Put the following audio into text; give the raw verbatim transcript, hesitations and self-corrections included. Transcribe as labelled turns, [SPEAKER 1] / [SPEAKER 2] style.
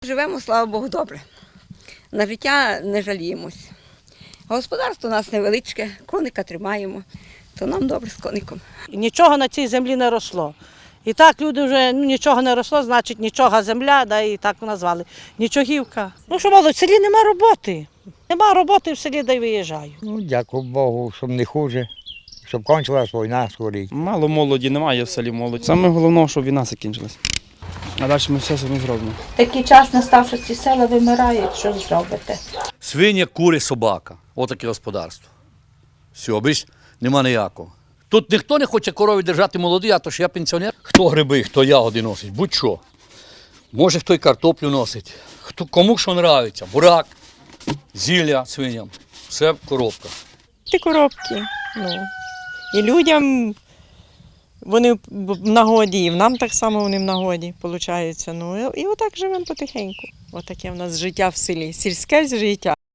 [SPEAKER 1] Живемо, слава Богу, добре. На життя не жаліємось. Господарство у нас невеличке, коника тримаємо, то нам добре з коником.
[SPEAKER 2] Нічого на цій землі не росло. І так люди вже ну, нічого не росло, значить нічого земля, да, і так назвали. Нічогівка. Ну що молодь, в селі нема роботи. Нема роботи в селі, де й виїжджаю.
[SPEAKER 3] Ну, дякую Богу, щоб не хуже, щоб кончилась війна скоріше.
[SPEAKER 4] Мало молоді, немає в селі молоді. Саме головне, щоб війна закінчилась. А далі ми все самі зробимо.
[SPEAKER 5] Такий час настав, що ці села вимирають, що зробите?
[SPEAKER 6] Свиня, кури, собака. Отаке господарство. Все, більш нема ніякого. Тут ніхто не хоче корові держати молоді, а то ж я пенсіонер. Хто гриби, хто ягоди носить, будь-що. Може хто й картоплю носить. Хто, кому що подобається. Бурак, зілля свиням. Все в коробках.
[SPEAKER 7] Ті коробки. Ну. І людям вони в нагоді, і нам так само вони в нагоді, виходить. Ну, і отак живемо потихеньку. Отаке в нас життя в селі, сільське життя.